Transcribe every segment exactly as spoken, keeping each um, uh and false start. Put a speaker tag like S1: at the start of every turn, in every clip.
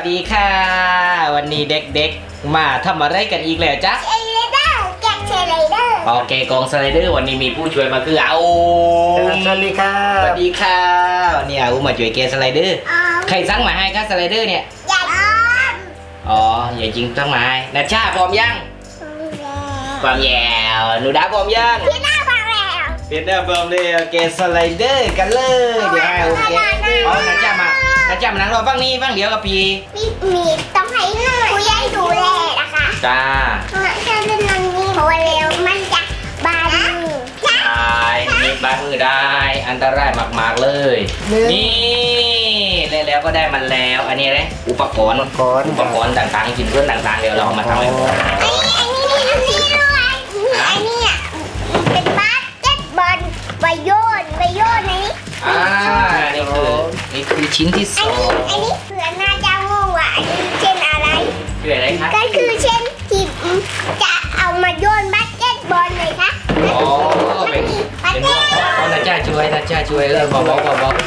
S1: ดีค่ะวันนี้เด็กๆมาทำอะไรกันอีกแล้วจ๊ะ
S2: เชลเดอร์แกะเชลเดอร์
S1: โอเคกองสไลเดอร์วันนี้มีผู้ช่วยมาคืออาอู
S3: สวัสดีค่ะ
S1: สวัสดีค่ะวันนี้อาอูมาช่วยเกสไลเดอร์ใครสั่งมาให้คะสไลเดอร์เนี่ย
S2: ใหญ่อ้อม
S1: อ๋ออย่าจริงสั่งมาให้นัชชาพร้อมยังพร้อมแล้วหนูดาพร้อมยัง
S2: พี่หน้าฟังแล้ว
S1: เพียนเดอร์พร้อมเลยโอเคสไลเดอร์กันเลยเดี๋ยวให้โอเคอ๋อนัชชามานัชชามานั่งรอฟังนี้ฟังเดี๋ยวกับพี่
S2: พี่มีต้องให้ผู้ใหญ่ดูแลนะคะ
S1: จ้า
S2: ถ้าเล่นนังนี้เพราะว่าเร็วมันจะบาดมือจ้า
S1: ได้มีบาดมือได้อันตรายมากๆเลยนี่แล้วแล้วก็ได้มันแล้วอันนี้เลยอุปกรณ์
S3: ก่อน
S1: อุปกรณ์ต่างๆกินเพื่อนต่างๆเดี๋ยวเราเอามาทำให้หมด
S2: อันนี้อันนี้อันนี้ด้วยอันนี้อ่ะเป็นบาสเกตบอลใบโยนใบโยนอันนี้
S1: อ่านี่คือนี่คือชิ้นที่ส
S2: อัน
S1: อ
S2: นี้
S1: ง
S2: อันนี้เผื่อน่าจะงงว่าอันนี้เช่นอะไร
S1: คืออะไรคะ
S2: ก็คือเช่นที่จะเอามาโยนบาสเกตบอลเลยค่ะ
S1: อ๋อเป็นเป็นพวกเอานาจ้าช่วยนาจ้าช่วยเออเบาๆเบาๆ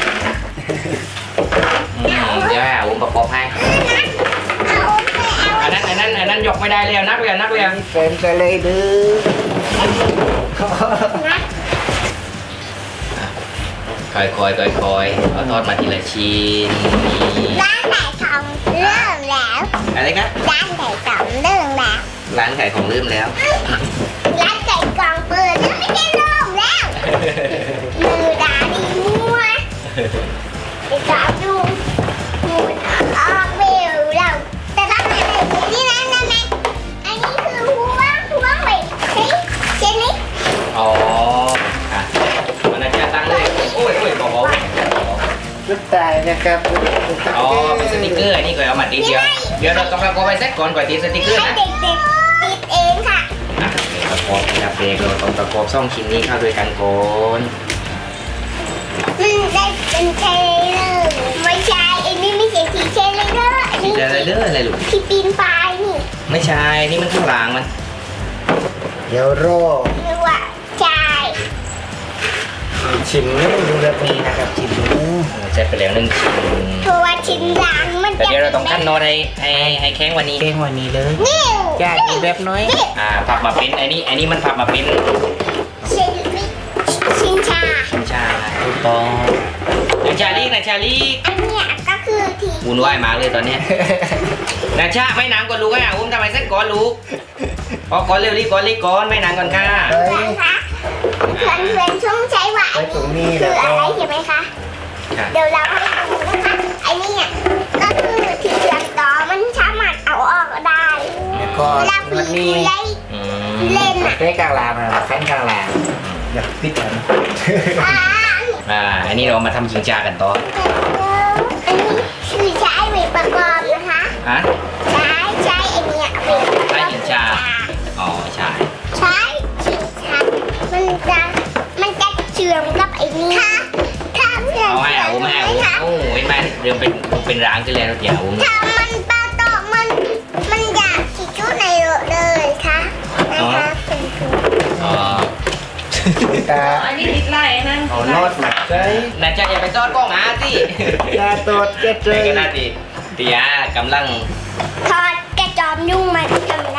S1: อืมเดี๋ยวให้อาอุ้มประกอบให้
S2: เอาไปเอา
S1: อันนั้นอันนั้นอันนั้นยกไม่ได้แล้วนักเรียนนักเรียน
S3: เป็นสไลเดอร์
S2: นะ
S1: ค่อยๆค่อยๆเอาทอดมาทีละชิ้นนี่
S2: ร้านไหนทองเริ่มแล้ว
S1: อะไรคะ
S2: ร้านไหนทองเริ่มแล้ว
S1: ร้านขายของลืมแล้ว
S2: ร้านไก่กล่องเปิดแล้วไม่ได้เริ่มแล้วมือดาดีมั่วไอ้สาวดูหมุนออกเบลเราแต่ร้านไหนนี่นะนั่นนะอันนี้คือหัวหัวไปเฮ้ยเช่นนี้
S1: อ๋ออ่ะมันอาจจะตั้งเลยโอ้ยโอ้ยเบาๆเบา
S3: ลูกตายนะครับ
S1: ๆอ๋อเป็นสติกเกอร์อันนี้ก่อนเอามาติดเดียวเดี๋ยวเราต้องประกอบไปเซ็ตก่อนก่อนติดสติกเกอร์
S2: ให้
S1: นะ
S2: เด็กๆติดเองค่ะ
S1: อ่ะเดี๋ยวประกอบนะครับเบรกเราต้องประกอบซ่องชิ้นนี้เข้าด้วยกันก่อน
S2: มันได้เป็นเทเลอร์ไม่ใช่อันนี้ไม่ใช่ทีเทเลอร์อัน
S1: ติ
S2: นี้
S1: ดอะไรเด้ออะไรลูก
S2: ที่ปีนป่ายนี่
S1: ไม่ใช่นี่มันข้างหลังมัน
S3: เดี๋ยวรอ
S2: หรือว่าใช่
S3: ชิมนี่ดูแบบนี้นะครับชิมดู
S1: ใช้ไปแล้วหนึ่งชิ้น
S2: เพราะว่าชิ้นหลังมัน
S1: แต่
S2: จะ
S1: เดี๋ยวเราต้องขั้นโน้ตให้ให้ให้แข้งวันนี้
S3: เก่งวันนี้เลย
S2: นิ่ว
S3: จ้าดูแบบน้อย
S1: อ่าพับมาเป็นไอ้นี่ไอ้นี่มันพับมาเป็น
S2: ชิ้นชิ้นชา
S1: ชินชาถูกต้องนาชาลีกนาชาลีก
S2: อันเนี้ยก็คือที
S1: วุ่นวายมากเลยตอนเนี้ยนาชาไม่นานก่อนลูกอ่ะอุ้มทำไมเส้นก่อนลูกพอก่อนเร็วรีบก่อนรีบก่อนไม่นานก่อนค่ะ
S3: เฮ้ย
S2: นะคะเพื่อนเพื่อนๆช่วงใช้ว่า
S3: ไว้ตรงนี้
S2: คื
S3: แล้
S2: อ
S3: ว
S2: อะ
S3: ก็
S2: ไรใช่ไหมคะ
S1: ค่ะ
S2: เดี๋ยวเราให้ดูนะคะไอ้เนี่ยก็คือที่เชื่อมต่อมันสามารถเอาออกได้
S3: แล้วก็
S2: เวลา
S3: มัน
S2: ผี
S3: มี
S2: ผู้ใหญ่
S1: อืม
S2: เล่นอ่ะ
S3: ใกล้กลางลางนะขั้นกลางลางอยากปิดกัน
S2: อ่า
S1: อ่าอันนี้เรามาทำชิงชากันต่อ
S2: อันนี้คือใช้ไว้ประกอบนะคะ
S1: ฮะ
S2: ใช้ใช้ไอ้เนี่ยไว้ประกอบ
S1: ใช้หินชา อ๋อใช่
S2: ใช้ชิงชามันจะมันจะเชื่อมกับไอ้นี่ค่ะถ้าเพื่อน
S1: เอาให้อาอุ้มให้อาอุ้ม
S2: ค่ะ
S1: โอ้ยแม่เริ่มเป็นเป็นร้างขึ้นแล้วเดี๋ยวอาอุ้ม
S2: ถ้ามันปลาตอกมันมันอยากขีดชุดในเลยค่ะนะคะเป็นคือ
S1: อ๋อ
S3: ตา
S4: อันนี้ติดไล่นั่น
S3: เอานอดมาใส่
S1: นาจาอย่าไปซอดกล้องหาสิ
S3: ตาตดเจ็ดเล
S1: ใน
S3: ย
S1: ขณะที่เตียกำลัง
S2: ทอดกระจอมยุ่งมันทำได้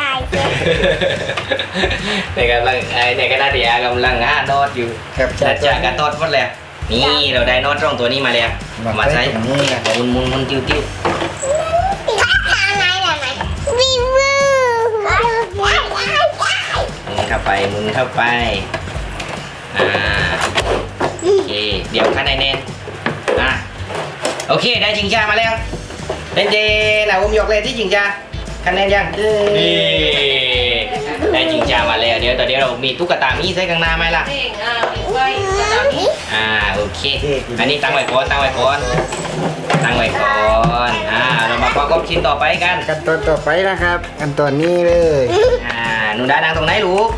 S1: ในกำลังไอ้ในขณะที่อากำลังหาโนอตอยู่
S3: ครับ
S1: นาจากระตอดหมดแล้วนี่เราได้โนอตตรงตัวนี้มาแล้วมาใช้
S3: ตรงนี้นะ
S1: มุนมุนมุนติ้วติ้ว
S2: ถ้าทางไหนล่ะไหนวิววิว
S1: หมุนเข้าไปหมุนเข้าไปอ่าโอเคเดี๋ยวขั้นในเน้นอ่ะโอเคได้จิงชามาแล้วเป็นเจนะผมยกเลยที่จิงชาคะแนนยังนี่ได้จิงชามาแล้วเดี๋ยวตอนนี้เรามีตุ๊กตามีใส่ข้างหน้าไหมล่ะ
S4: เองอ่ะติดไว้กระดาษนี้
S1: อ่าโอเค อันนี้ตั้งไว้ก่อนตั้งไว้ก่อนตั้งไว้ก่อนอ่าเรามาประกอบชิ้นต่อไปกัน
S3: กันตอนต่อไปนะครับกันตอนนี้เลย
S1: อ่าหนูดานั่งตรงไหนลูก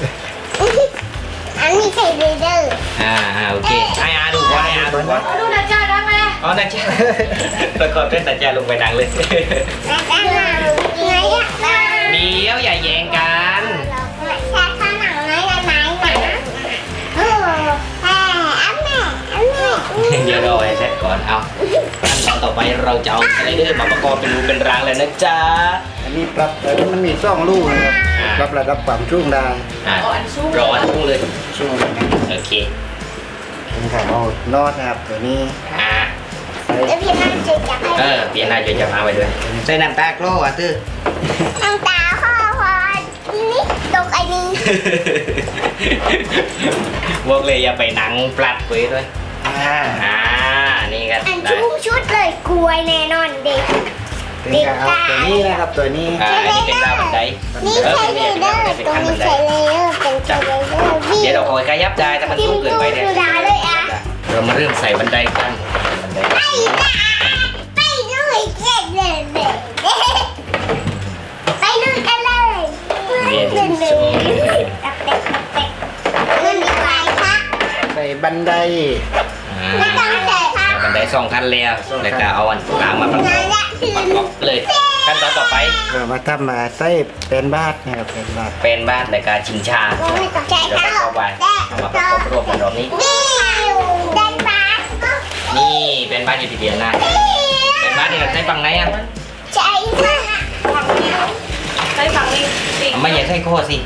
S2: อันนี้ใช่เรเดอร์
S1: อ่าอ่าโอเคให้อาดูก่อนให้อาดูก่อน
S4: เอาดูนะจ้าได้ไหม
S1: อ๋อนาจาประกอบด้วยนาจาลงไปดังเลย
S2: แล้วก็หนังไหนอะ
S1: เดี๋ยวอย่าแย่งกัน
S2: แค่ข้างหนังไหนไหนไหนนะโอ้แม่อันแม่อันแม่
S1: เดี๋ยวรอให้เสร็จก่อนเอาขั้นตอนต่อไปเราจะเอาอะไรเดอร์มาประกอบเป็นรูเป็นรางแล้วนะจ๊ะ
S3: อันนี้ปรับเออมันมีสองลูกนะครับ
S1: อ่า
S3: ปรับระดับความชุ่มได้
S1: อ่ะ
S4: อ่อนสู้
S1: ร้อนพุ่งเลย
S3: ชุ่ม
S1: โอเค
S3: เป็นของเอานอดนะครับตัวนี้
S1: อ่า
S3: ใส่
S2: แล้วพี่น่าจะจับให้
S1: เออเปลี่ยนหน้าจะจะมาไว้ด้วยใส่น้ำตาโกรอ่ะตื้อ
S2: น้ำตาพ่อพอนี่ตกไอ้นี่
S1: บอกเลยอย่าไปหนังปลัดไว้ด้วย
S3: อ่า
S1: อ่านี่กัน
S2: อัน
S1: ได้
S2: ชุ่มชุดเลยกลวยแน่นอนเด็ก
S3: เป็นการเอาตัวนี้นะครับตัวนี้
S1: อ่าอันนี้เป็นราวบันได
S2: นี่
S1: เออ
S2: ใช้
S1: เป็น
S2: เล
S1: เนี่ย
S2: เดอร์
S1: เป็น
S2: ตรง
S1: ขั้นบั
S2: นี้
S1: นได
S2: ใช้เลเดอร์เป็นใช้เลเดอร์วิ่ง
S1: เดี๋ยวเราคอยขยับได้ถ้ามันสูงเกินไปเนี่ย
S2: ดูดาเลยอะ
S1: เรามาเริ่มใส่บันไดกันบันได
S2: ไปจ้าไปเลยเจ๊เลยเลยไปลุยกันเลยเล่นเลยตักเด็กตักเด็กเงินดีกว่าค่ะ
S3: ใส่บันได
S1: อ่า
S2: ไม่ต้องใส่ค่ะ
S1: บันไดสองขั้นแล้วแล้วก็เอาอันกลางมาประกอบประกอบเลยขั้นตอนต่อไป
S3: เรามาทำมาใส่เป็นบาทนะครับเป็นบาท
S1: เป็นบ้านในการชิงชา
S2: ไม่ต้องใช้
S1: เรา
S2: ค่ะ
S1: จะเข้าไปเอามาประกอบรวมกันรอบนี้
S2: นี่เดินมา
S1: นี่เป็นบ้านอยู่ที่เดียวนะเป็นบ้านที่เราใช้ฝั่งไหนอ่ะ
S2: ใช่ค่ะ
S4: ใช้ฝั่งนี้สิ
S1: เอาไม่อยากใช้โคสิ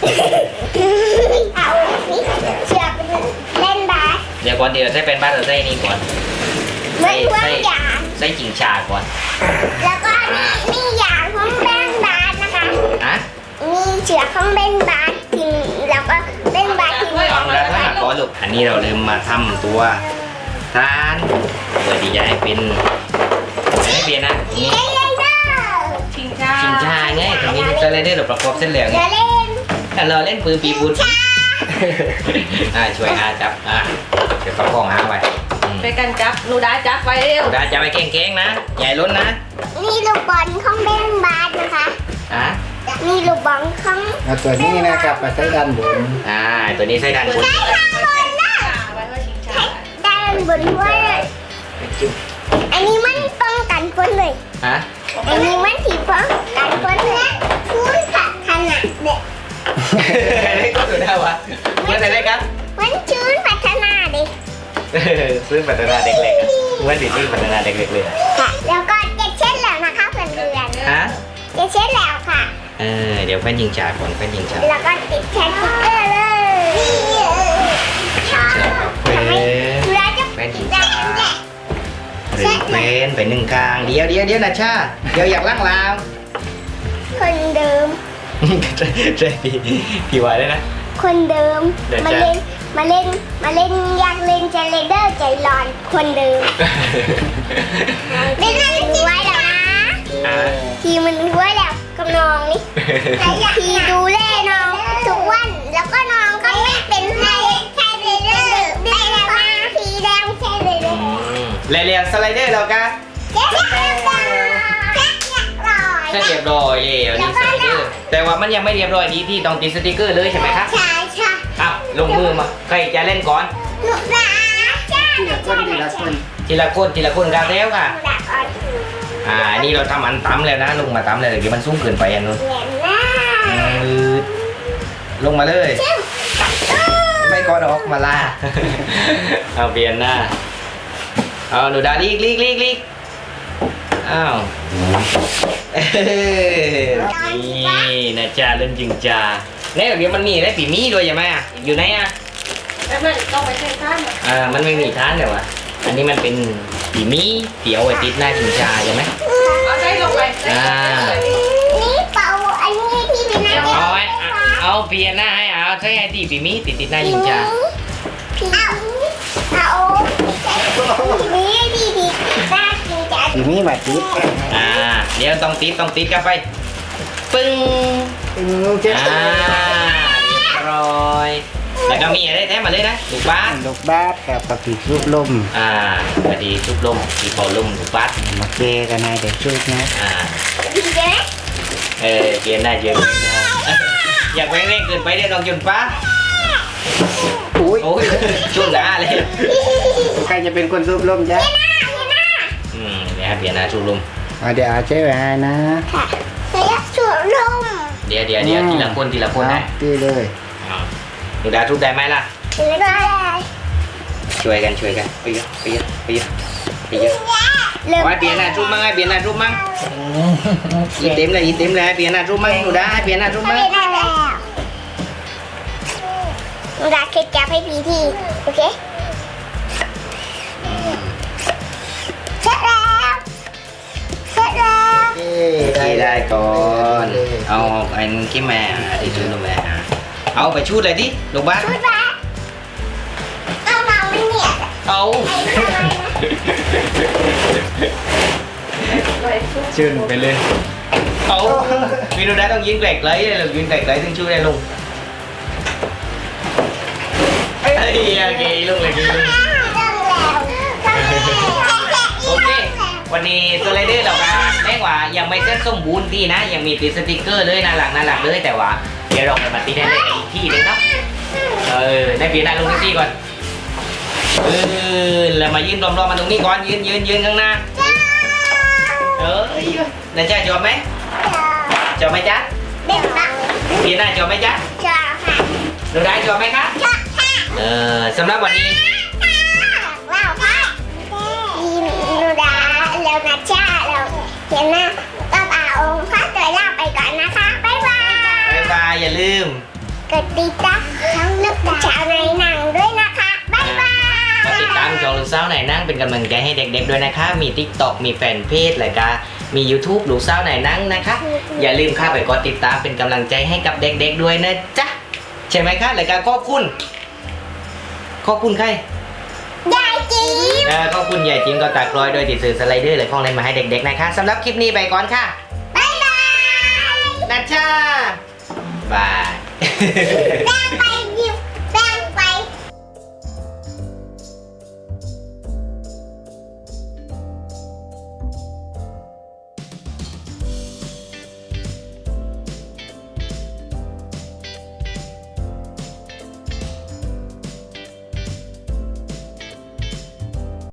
S2: เอาสิเชือกเล่นบาส
S1: เดี๋ยวก่อนเดี๋ยวใช้เป็นบ้านเราใช้นี่ก่อน
S2: เหมือนว่าอย่าง
S1: ใช้ชิงชาก่อน
S2: แล้วก็มีอย่างของเล่นบาสนะคะ
S1: อะ
S2: มีเชือกของเล่นบาสทิ้งแล้วก็เล่นบาสทิ้ง
S1: ลองแล้วถ้าก่อนลูกอันนี้เราลืมมาทำตัวทานเพื่อที่จะให้เป็นให้เปลี่ยนนะนี่
S2: เล่นเล่นเด้อ
S4: ชิงช้า
S1: ชิงชาไงตรงนี้สไลเดอร์เราประกอบเส้นเหลือง
S2: เดี๋ยวเล่น
S1: แต่เราเล่นปืนปีบุญอ่าช่วยอาจับอ่าเดี๋ยวประคองอาไว้อืม
S4: ไปกันจับหนูดาจับไปเร็ว
S1: ดาจะไปเก่งๆนะใหญ่ล้นนะ
S2: นี่ลูกบอลของเล่นบาสนะคะ
S1: อ่ะ
S2: นี่ลูกบอลของ
S3: เอาตัวนี้นะครับมาใส่ด้านบน
S1: อ่าตัวนี้ใช้ด้านบน
S2: ใช้ข้างบนนะ
S4: ไว้ว่าชิงช้า
S2: ด้านบนด้วยอันนี้มันป้องกันฝนเลย
S1: ฮะ
S2: อันนี้มันสีป้องกันฝนและคุ้นค่ะขนาดเด็ก
S1: ได้ก็สุดแล้ววะเมื่อไหร่ได้ครับ
S2: มันชื้นพัฒนาเด็ก
S1: ซื้อพัฒนาเด็กเล็กอะเมื่อติดซื้อพัฒนาเด็กเล็กเลยอะ
S2: ค่ะแล้วก็เจ็ดเช็ดแล้วนะคะเพื่อนเพื่อน
S1: ฮะ
S2: เจ็ดเช็ดแล้วค่ะ
S1: เออเดี๋ยวแฟนยิงจ่าก่อนแฟนยิงจ่า
S2: แล้วก็ติดแชทสติ๊กเกอร์เลยค่ะ
S1: เฟน
S2: เราจะ
S1: แฟนยิงจ่าหรือเฟนไปหนึ่งกลางเดี๋ยวเดี๋ยวเดี๋ยวนะชาเดี๋ยวอยากล้างลาว
S2: คนเดิม
S1: ใช่พี่พี่วายได้นะ
S2: คนเดิม
S1: เดี๋ยว
S2: มา
S1: จะ
S2: เล่นมาเล่นมาเล่นอยากเล่นใจเลเดอร์ใจร้อนคนเดิมเล่นให้มันไว้แล้วนะ
S1: อ่า
S2: ทีมันไว้แล้วกับน้องนี่ทีดูแลน้องทุกวันแล้วก็น้องก็ไม่เป็นใครใช่เลเดอร์ได้แล้วนะทีแดงใช่เลเดอร์
S1: เรียวๆสไลเดอร์เรากะ
S2: เจ๊เรียบร้อยเจ๊เรียบร้อย
S1: ใช่เรียบร้อยแล้วนี่สไลเดอร์แต่ว่ามันยังไม่เรียบร้อยดีที่ต้องติดสติกเกอร์เลยใช่ไหมครับ
S2: ใช่ใช่
S1: อ้าวลงมือมาใครจะเล่นก่อน
S2: หนูรักจ้า
S3: ทีละคนทีละคน
S1: ทีละคนทีละคนกันแล้วค่ะ
S2: หนูรักอ่อน
S1: อ่านี่เราทำอันตั้มแล้วนะลงมาตั้มเลยเดี๋ยวมันสูงเกินไปอันนู้น
S2: เหนียนหน้า
S1: อืดลงมาเลย
S2: จึ๊บ
S1: ไม่กอดออกมาล่า เอาเปลี่ยนหน้าเอาหนูดาลีกลีกลีกลีกอ้าวเอ้ยนี่นะจ๊ะเล่นจริงจ้าเนี่ยเดี๋ยวมันมีได้ปีมีด้วยใช่ไหมอ่ะอยู่ไหนอ่ะ
S4: แล้วมันต้องไปใช้ข้าม
S1: อ่ามันไม่มีท้านเดี๋ยวอ่ะอันนี้มันเป็นปีมีเตี๋ยวไว้ติดหน้าชิงชาใช่ไหม
S4: เอาได้ลงไป
S1: อ่า
S2: นี่เป่าอันนี้ที่เป็นหน้า
S1: เอาไว้อ่ะเอาเปลี่ยนหน้าให้เอาใช้ไอ้ตีปีมีติดติดหน้าชิงชา
S2: เอาเอาทีนี้ดีดีหน้าจริงจัง
S3: ทีนี้มาติด
S1: อ่าเดี๋ยวต้องติดต้องติดกันไปปึ้ง
S3: ตึงเจ็ด
S1: อ่าเรียบร้อยแล้วก็มีอะไรแท้มาเลยนะถูกบ้าน
S3: ลูกบาทกับปฏิรูปลม
S1: อ่าพอดีทุบลมทีเป่าลมถูกบ้าน
S3: มาเกกันนายเด็กช่วยนะ
S1: อ่า
S2: ดีไหม
S1: เออเปลี่ยนได้เยอะอยากแรงเร่งเกินไปเดี๋ยวน้องจุนฟ้า
S3: อุ้ย
S1: โอ้ยช่วงหน้าเลย
S3: ใครจะเป็นคนรูปลมจ๊ะ
S1: อืมเดี๋ยวให้เปลี่ยนหน้าทุบลม
S3: อ่ะเดี๋ยวเอาใช้ไว้ให้นะ
S2: ค่ะระยะสูงลม
S1: เดี๋ยวเดี๋ยวเดี๋ยวทีละคนทีละคนนะ
S3: ตีเลย
S1: อ่าหนูดาทุบได้ไหมล่ะ
S2: ถือได้
S1: ช่วยกันช่วยกันไปเยอะไปเยอะไปเยอะไปเยอะไว้เปลี่ยนหน้ารูปมั้งไอ้เปลี่ยนหน้ารูปมั้งอีเต็มเลยอีเต็มเลยเปลี่ยนหน้ารูปมั้งหนูได้เปลี่ยนหน้ารูปมั้ง
S2: ไม่ได้แล้วหนูดาเคยจับให้พี่ทีโอเคเสร็จแล้วเสร็จแล้ว
S3: เอ้
S1: ที่ได้ก่อนเอาไอ้ขี้แม่ที่ชื่อลูกแม่เอาไปชูดเลยดิลูกบ้าน
S2: ชุดละเอามาไม่เนี่ย
S1: เอา
S2: ไอ้ทำไมนะ
S3: ชื่นไปเลย
S1: เอาพี่หนูได้ต้องยืนแกลกเลยเลยยืนแกลกเลยถึงชูดได้ลุงเฮ้ยโอเคลุงเลยลุง โอเค วันนี้สไลเดอร์เราการแม้ว่ายังไม่เสร็จสมบูรณ์ดีนะ ยังมีติดสติกเกอร์เลยน่ารักน่ารักเลยแต่ว่าเดี๋ยวเราไปมาติดได้เลยอีกที่หนึงเนาะเออได้เปลี่ยนหน้าลงที่ก่อนเออแล้วมายืนรอมๆมาตรงนี้ก่อนยืนยืนยืนข้างหน้าเออแล้วจ้ายอมไหมจอมไหมจ๊ะ
S2: เด็กนะ
S1: เปลี่ยนหน้าจอมไหมจ๊ะ
S2: ชอบค่ะ
S1: หนูได้จอมไหมคะ
S2: ชอบค่ะ
S1: เออสำหรับวันนี้
S2: ว้าวค่ะยีนูดาแล้วนะจ้าเราเห็นนะก็เอาองค์พระตัวลาไปก่อนนะคะบ๊ายบาย
S1: บ๊ายบายอย่าลืม
S2: กดติดตามทั้งลูกชาวในหนังด้วยนะคะบ๊ายบาย
S1: มาติดตามจอลูกสาวไหนนั่งเป็นกำลังใจให้เด็กๆด้วยนะคะ มี TikTok มีแฟนเพจเลยก็มี YouTube ลูกสาวไหนนั่งนะคะ อย่าลืมเข้าไปกดติดตามเป็นกำลังใจให้กับเด็กๆด้วยนะจ๊ะ ใช่ไหมคะรายการขอบคุณ ขอบคุณใคร
S2: ยายจีบ
S1: เออขอบคุณยายจิมก็ตักรอยโดยติดสื่อสไลเดอร์เลยของเล่นมาให้เด็กๆนะคะสำหรับคลิปนี้ไปก่อนค่ะ
S2: บ๊ายบาย
S1: นะจ้าบาย
S2: แล้วไป